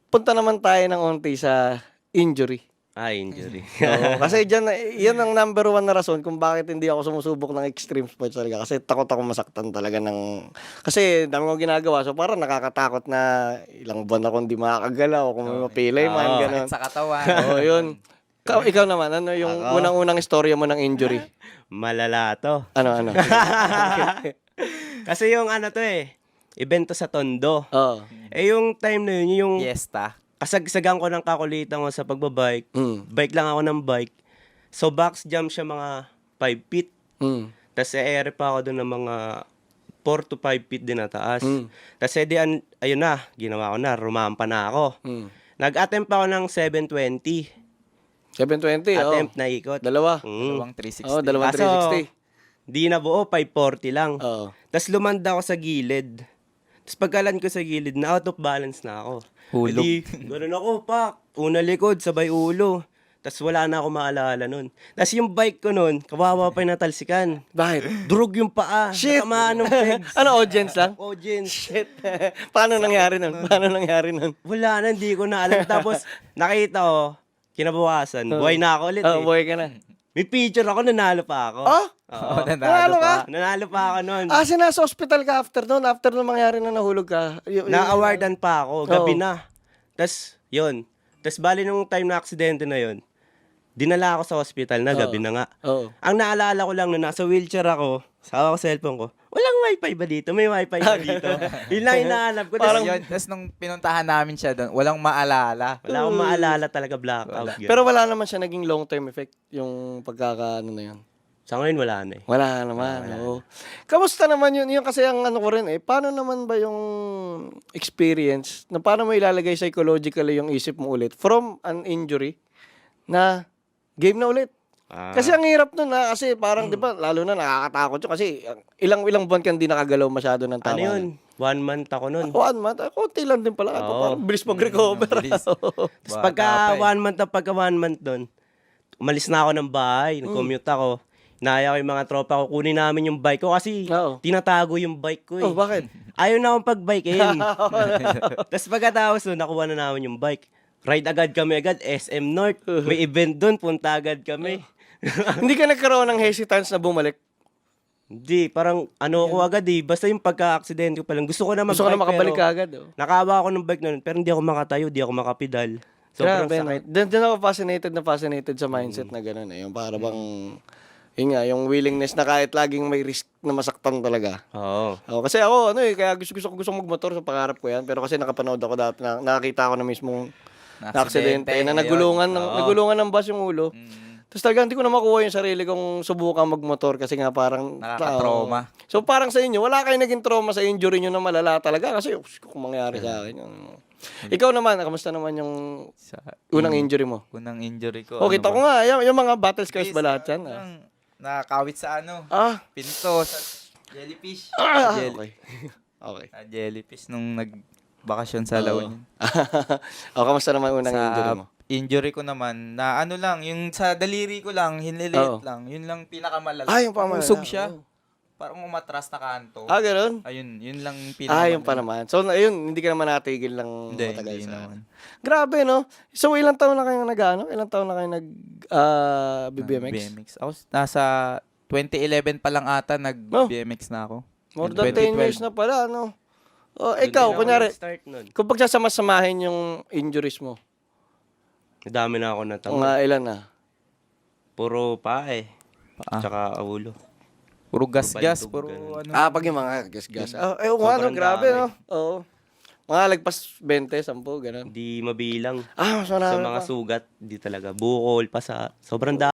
punta naman tayo ng onti sa injury. Injury. Oo, kasi diyan yan ang number one na rason kung bakit hindi ako sumusubok ng extreme sports talaga kasi takot ako masaktan talaga kasi dami kong ginagawa so parang nakakatakot na ilang buwan ako hindi makakagalaw kung may mapilay man Oo. ganun. Sa katawan. Oo, yun. Ikaw naman, ano yung Ako? unang-unang istorya mo ng injury? Malala to. Ano? Kasi yung ano to event to sa Tondo. Oo. Yung time na yun, yung Fiesta. kasagsagan ko ng kakulitan ko sa pagbabike. Mm. Bike lang ako ng bike. So box jump siya mga 5 feet. Mm. Tapos ere pa ako doon ng mga 4 to 5 feet din na taas. Mm. Tapos ayun na, ginawa ko na, rumampa na ako. Mm. Nag-attempt ako ng 720. 720, Attempt na ikot. Dalawa. Dalawang 360. Oo, dalawang Kaso, 360. di na buo, 540 lang. Oo. Tapos lumanda ako sa gilid. Tapos pagkalan ko sa gilid, na out of balance na ako. Hulog. Edi, ganun ako, pak. Una likod, sabay ulo. Tapos wala na ako maalala nun. Tapos yung bike ko nun, kawawa pa yung natalsikan. Bakit? Durog yung paa. Shit! Natamaan ng pegs. Ano, audience lang? Audience. Shit. Paano nangyari nun? Wala na, hindi ko na alam. Tapos nakita ko, kinabukasan, buhay na ako ulit Oo, buhay ka na. May picture ako, nanalo pa ako. Oh? Oo. Nanalo ka? Nanalo pa ako nun. Nasa hospital ka after nung mangyari na nahulog ka. Na-awardan pa ako, gabi Oo. na. Tapos, yun. Tapos, bali nung time na aksidente na yun, dinala ako sa hospital na, gabi na nga. Oo. Ang naalala ko lang, nung nasa wheelchair ako, sawa ko sa cellphone ko, walang wifi ba dito? May wifi ba dito? Yun lang hinahanap ko. Tapos nung pinuntahan namin siya doon, walang maalala. Wala akong maalala talaga, blackout. Yun. Pero wala naman siya naging long-term effect yung pagkakaano na yun. Sa ngayon, wala na Wala naman. Oo. Kamusta naman yun? Yung kasi ang ano ko rin paano naman ba yung experience na paano mo ilalagay psychologically yung isip mo ulit from an injury na game na ulit? Kasi ang hirap nun kasi parang 'di ba lalo na nakakatakot yun kasi ilang buwan ka hindi nakagalaw masyado ng tama. Ano yun? 1 month ako nun. 1 month? Konti lang din pala. Parang bilis mag-recover. Bilis. Tapos pagka 1 month doon, umalis na ako ng bahay, nag-commute ako. Naya ko yung mga tropa ko, kunin namin yung bike ko kasi Oo. tinatago yung bike ko Oh, bakit? Ayaw na akong pag-bikein. Tapos pagkatapos nun, nakuha na namin yung bike. Ride agad kami SM North. May event doon, punta agad kami. Hindi ka nagkaroon ng hesitance na bumalik? Hindi, parang ano ko agad Basta yung pagka-aksidente ko pa lang. Gusto ko na mag-bike Gusto ko na makabalik ka pero agad. nakawa ako ng bike na nun, pero hindi ako makatayo, hindi ako makapedal. Sobrang Grabe, no? sakit. Doon ako fascinated sa mindset na gano'n. Yung para bang, yun nga, yung willingness na kahit laging may risk na masaktan talaga. Oo. Kasi ako, kaya gusto magmotor sa pangarap ko yan. Pero kasi nakapanood ako dati, nakakita ako na mismong na-aksidente, na nagulungan ng bus yung ulo. Tapos talaga hindi ko na makuha yung sarili kong subukan magmotor kasi nga parang Nakaka-trauma. So parang sa inyo, wala kayong naging trauma sa injury nyo na malala talaga kasi kung mangyari sa akin. Ikaw naman, kamusta naman yung unang injury mo? Unang injury ko. Oh, kita ko nga, yung mga battle scars ba lahat yan? Nakakawit sa pinto, sa jellyfish. Okay. Okay. Sa jellyfish nung nagbakasyon sa La Union. Kamusta naman unang injury mo? Injury ko naman, na lang, yung sa daliri ko lang, hiniliit lang. Yun lang pinakamalala. Yung pamalala. Usog siya. Parang umatras na kanto. Ganun? Ayun, yun lang pinakamalala. Yung pa naman. So, ayun, hindi ka naman natigil lang matagal Hindi sa naman. Grabe, no? So, ilang taon na kayo Ilang taon na kayo BMX? BMX. Ako, nasa 2011 pa lang ata nag-BMX na ako. More than 10 years na pala, no? Ikaw, kunyari, Start nun. kung pagsasama-samahin yung injuries mo, Madami na ako natama. mga ilan na? Puro paa Paa. Tsaka ulo. Puro gas-gas, Balintog, puro ganun. ano. Pag yung mga gas-gas. Sobrang Grabe, dami. no? Oo. Mga lagpas 20, 10, ganun. Hindi mabilang. Mas Sa marami mga pa. sugat, di talaga. Bukol pa sa... Sobrang dami.